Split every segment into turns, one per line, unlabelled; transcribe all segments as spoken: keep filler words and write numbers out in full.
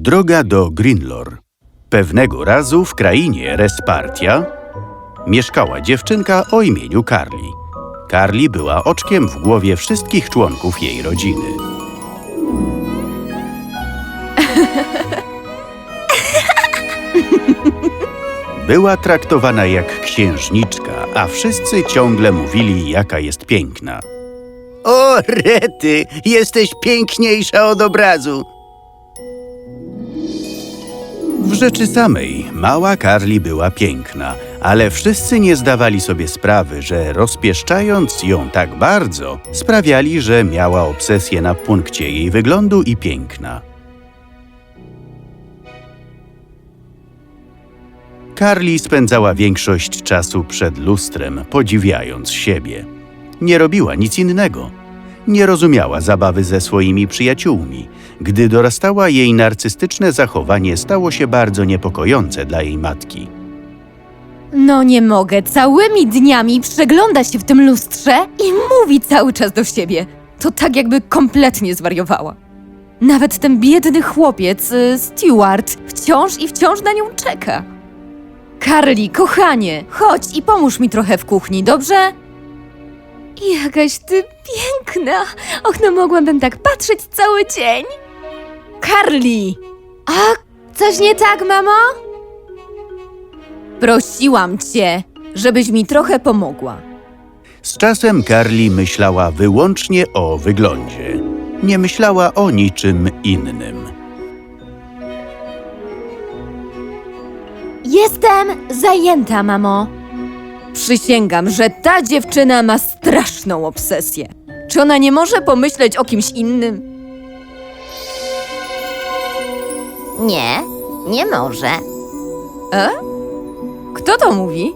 Droga do Grinlor. Pewnego razu w krainie Respartia mieszkała dziewczynka o imieniu Carly. Carly była oczkiem w głowie wszystkich członków jej rodziny. Była traktowana jak księżniczka, a wszyscy ciągle mówili, jaka jest piękna.
O, rety, jesteś piękniejsza od obrazu.
W rzeczy samej mała Carly była piękna, ale wszyscy nie zdawali sobie sprawy, że rozpieszczając ją tak bardzo, sprawiali, że miała obsesję na punkcie jej wyglądu i piękna. Carly spędzała większość czasu przed lustrem, podziwiając siebie. Nie robiła nic innego. Nie rozumiała zabawy ze swoimi przyjaciółmi. Gdy dorastała, jej narcystyczne zachowanie stało się bardzo niepokojące dla jej matki.
No nie mogę, całymi dniami przegląda się w tym lustrze i mówi cały czas do siebie. To tak jakby kompletnie zwariowała. Nawet ten biedny chłopiec, y, Stewart, wciąż i wciąż na nią czeka. Carly, kochanie, chodź i pomóż mi trochę w kuchni, dobrze? Jakaś ty piękna! Och, no mogłabym tak patrzeć cały dzień. Carly! A, coś nie tak, mamo? Prosiłam cię, żebyś mi trochę pomogła.
Z czasem Carly myślała wyłącznie o wyglądzie. Nie myślała o niczym innym.
Jestem zajęta, mamo. Przysięgam, że ta dziewczyna ma straszną obsesję. Czy ona nie może pomyśleć o kimś innym?
Nie, nie może.
E? Kto to mówi?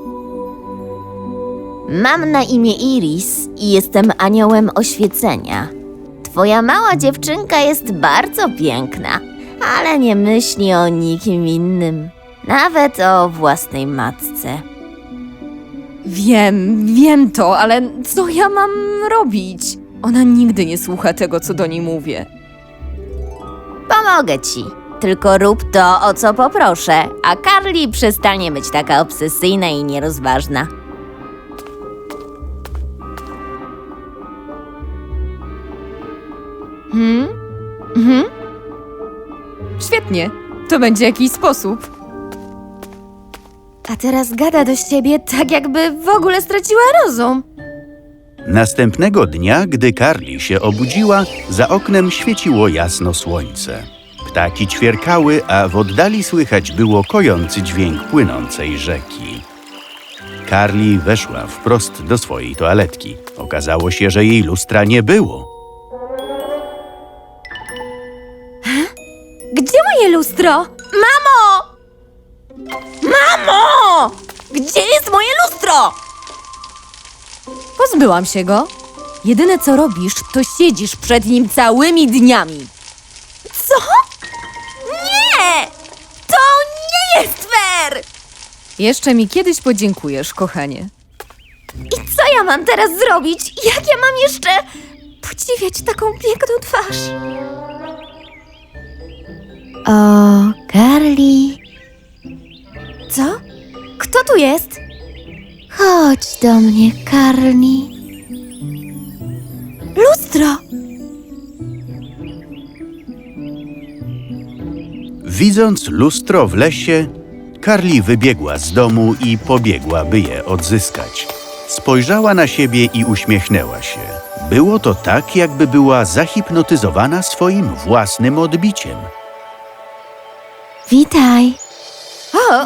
Mam na imię Iris i jestem aniołem oświecenia. Twoja mała dziewczynka jest bardzo piękna, ale nie myśli o nikim innym, nawet o własnej matce.
Wiem, wiem to, ale co ja mam robić? Ona nigdy nie słucha tego, co do niej mówię.
Pomogę ci, tylko rób to, o co poproszę, a Carly przestanie być taka obsesyjna i nierozważna.
Hmm? Mhm. Świetnie, to będzie jakiś sposób. A teraz gada do siebie tak, jakby w ogóle straciła rozum.
Następnego dnia, gdy Carly się obudziła, za oknem świeciło jasno słońce. Ptaki ćwierkały, a w oddali słychać było kojący dźwięk płynącej rzeki. Carly weszła wprost do swojej toaletki. Okazało się, że jej lustra nie było.
Gdzie moje lustro? Mamo! Mamo! Gdzie jest moje lustro? Pozbyłam się go. Jedyne co robisz, to siedzisz przed nim całymi dniami. Co? Nie! To nie jest fair! Jeszcze mi kiedyś podziękujesz, kochanie. I co ja mam teraz zrobić? Jak ja mam jeszcze podziwiać taką piękną twarz?
O, Carly,
Co? Kto tu jest?
chodź do mnie, Carly.
Lustro!
Widząc lustro w lesie, Carly wybiegła z domu i pobiegła, by je odzyskać. Spojrzała na siebie i uśmiechnęła się. Było to tak, jakby była zahipnotyzowana swoim własnym odbiciem.
Witaj,
O!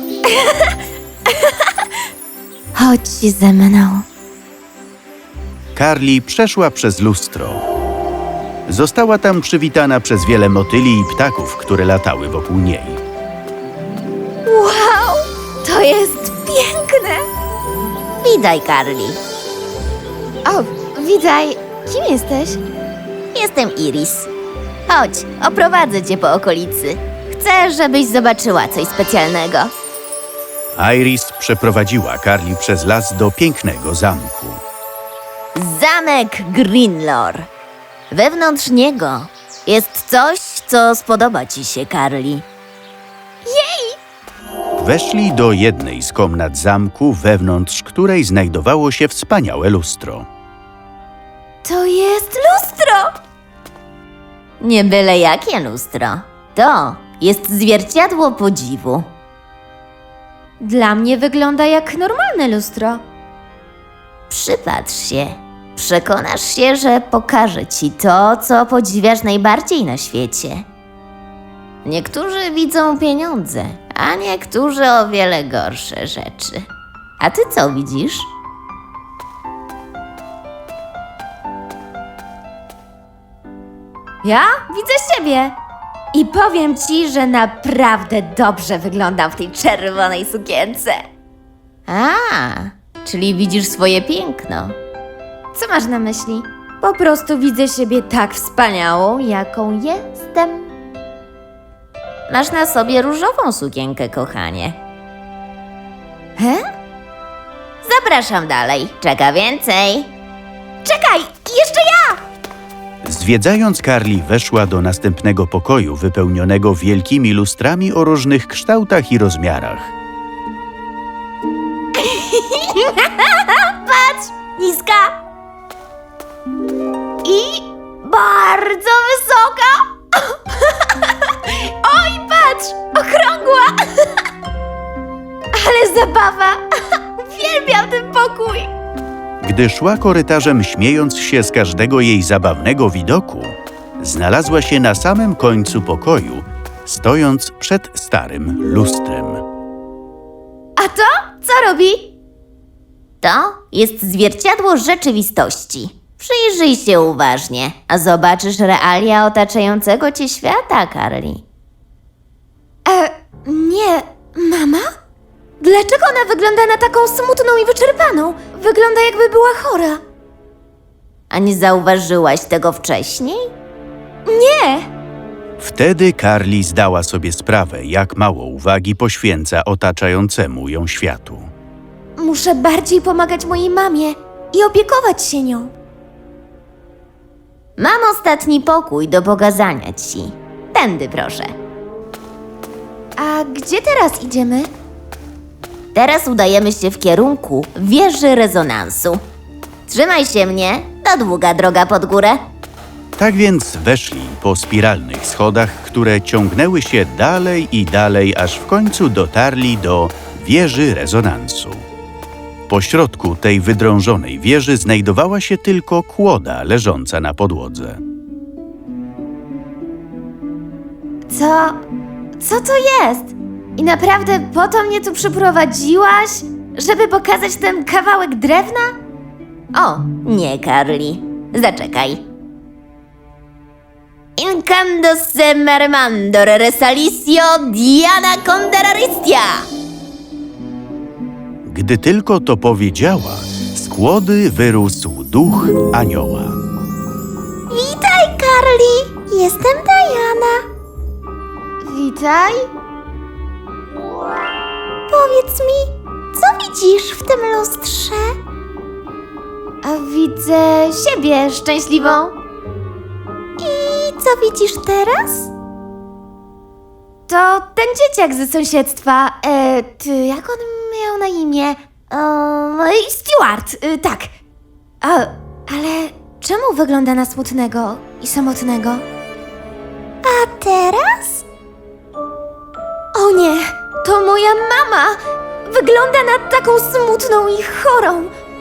chodź ze mną.
Carly przeszła przez lustro. Została tam przywitana przez wiele motyli i ptaków, które latały wokół niej.
Wow! To jest piękne!
Witaj, Carly.
O, witaj. Kim jesteś?
Jestem Iris. Chodź, oprowadzę cię po okolicy. Chcę, żebyś zobaczyła coś specjalnego.
Iris przeprowadziła Carly przez las do pięknego zamku.
Zamek Grinlor. Wewnątrz niego jest coś, co spodoba ci się, Carly.
Weszli do jednej z komnat zamku, wewnątrz której znajdowało się wspaniałe lustro.
To jest lustro!
Nie byle jakie lustro. To jest zwierciadło podziwu.
Dla mnie wygląda jak normalne lustro.
Przypatrz się. Przekonasz się, że pokaże ci to, co podziwiasz najbardziej na świecie. Niektórzy widzą pieniądze, a niektórzy o wiele gorsze rzeczy. A ty co widzisz?
Ja widzę siebie. I powiem ci, że naprawdę dobrze wyglądam w tej czerwonej sukience.
A, czyli widzisz swoje piękno.
Co masz na myśli? Po prostu widzę siebie tak wspaniałą, jaką jestem.
Masz na sobie różową sukienkę, kochanie.
He?
Zapraszam dalej, czeka więcej.
Czekaj, jeszcze ja!
Zwiedzając Carly, weszła do następnego pokoju wypełnionego wielkimi lustrami o różnych kształtach i rozmiarach.
Niska. I bardzo wysoka. Oj, patrz, okrągła. Ale zabawa. Uwielbiam ten pokój.
Gdy szła korytarzem, śmiejąc się z każdego jej zabawnego widoku, znalazła się na samym końcu pokoju, stojąc przed starym lustrem.
A to co robi?
To jest zwierciadło rzeczywistości. Przyjrzyj się uważnie, a zobaczysz realia otaczającego cię świata, Carly.
E, nie, mama? Dlaczego ona wygląda na taką smutną i wyczerpaną? Wygląda jakby była chora.
A nie zauważyłaś tego wcześniej?
Nie!
Wtedy Carly zdała sobie sprawę, jak mało uwagi poświęca otaczającemu ją światu.
Muszę bardziej pomagać mojej mamie i opiekować się nią.
Mam ostatni pokój do pokazania ci. Tędy proszę.
A gdzie teraz idziemy?
Teraz udajemy się w kierunku wieży rezonansu. Trzymaj się mnie, to długa droga pod górę.
Tak więc weszli po spiralnych schodach, które ciągnęły się dalej i dalej, aż w końcu dotarli do wieży rezonansu. Po środku tej wydrążonej wieży znajdowała się tylko kłoda leżąca na podłodze.
Co? Co to jest? I naprawdę po to mnie tu przyprowadziłaś? Żeby pokazać ten kawałek drewna?
O, nie, Carly. Zaczekaj. Incando se mermandor resalicio Diana Conderaristia.
Gdy tylko to powiedziała, z kłody wyrósł duch anioła.
Witaj, Carly! Jestem Diana. Witaj. Powiedz mi, co widzisz w tym lustrze? A widzę siebie szczęśliwą. I co widzisz teraz? To ten dzieciak ze sąsiedztwa. E, ty, jak on miał na imię? E, Stuart, e, tak. A, ale czemu wygląda na smutnego i samotnego? A teraz? O nie, to moja mama! Wygląda na taką smutną i chorą.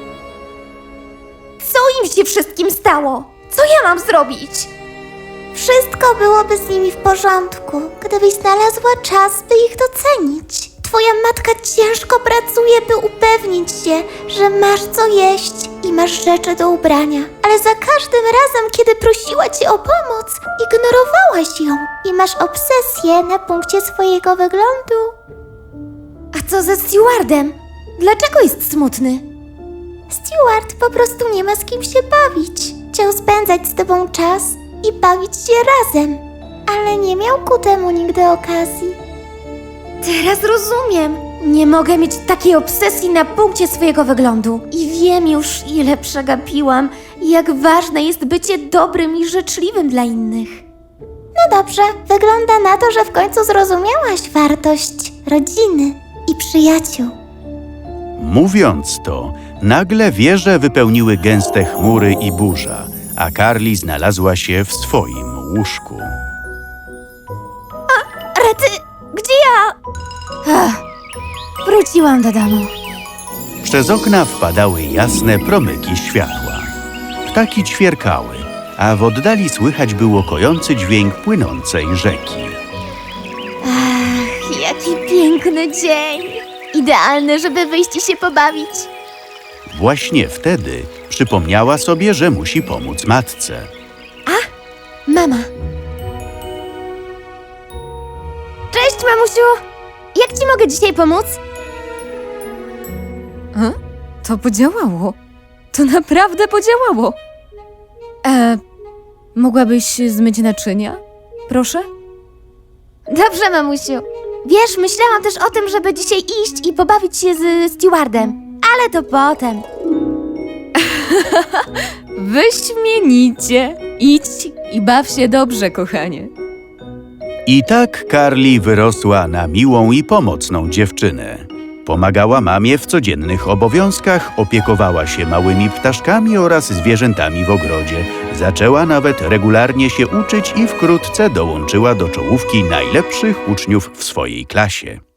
Co im się wszystkim stało? Co ja mam zrobić?
Wszystko byłoby z nimi w porządku, gdybyś znalazła czas, by ich docenić. Twoja matka ciężko pracuje, by upewnić się, że masz co jeść i masz rzeczy do ubrania. Ale za każdym razem, kiedy prosiła cię o pomoc, ignorowałaś ją i masz obsesję na punkcie swojego wyglądu.
A co ze Stewardem? Dlaczego jest smutny?
Stewart po prostu nie ma z kim się bawić. Chciał spędzać z tobą czas i bawić się razem, ale nie miał ku temu nigdy okazji.
Teraz rozumiem. Nie mogę mieć takiej obsesji na punkcie swojego wyglądu. I wiem już, ile przegapiłam i jak ważne jest bycie dobrym i życzliwym dla innych.
No dobrze, wygląda na to, że w końcu zrozumiałaś wartość rodziny. i przyjaciół.
Mówiąc to, nagle wieże wypełniły gęste chmury i burza, a Carly znalazła się w swoim łóżku.
Rety, gdzie ja?
Ach, wróciłam do domu.
Przez okna wpadały jasne promyki światła. Ptaki ćwierkały, a w oddali słychać było kojący dźwięk płynącej rzeki.
Ach, jaki piękny dzień! Idealny, żeby wyjść i się pobawić.
Właśnie wtedy przypomniała sobie, że musi pomóc matce.
Mama,
Cześć, mamusiu! Jak ci mogę dzisiaj pomóc?
e? to podziałało. To naprawdę podziałało. E, mogłabyś zmyć naczynia? Proszę?
Dobrze, mamusiu. Wiesz, myślałam też o tym, żeby dzisiaj iść i pobawić się z stewardem. Ale to potem.
Wyśmienicie. Idź i baw się dobrze, kochanie.
I tak Carly wyrosła na miłą i pomocną dziewczynę. Pomagała mamie w codziennych obowiązkach, opiekowała się małymi ptaszkami oraz zwierzętami w ogrodzie. Zaczęła nawet regularnie się uczyć i wkrótce dołączyła do czołówki najlepszych uczniów w swojej klasie.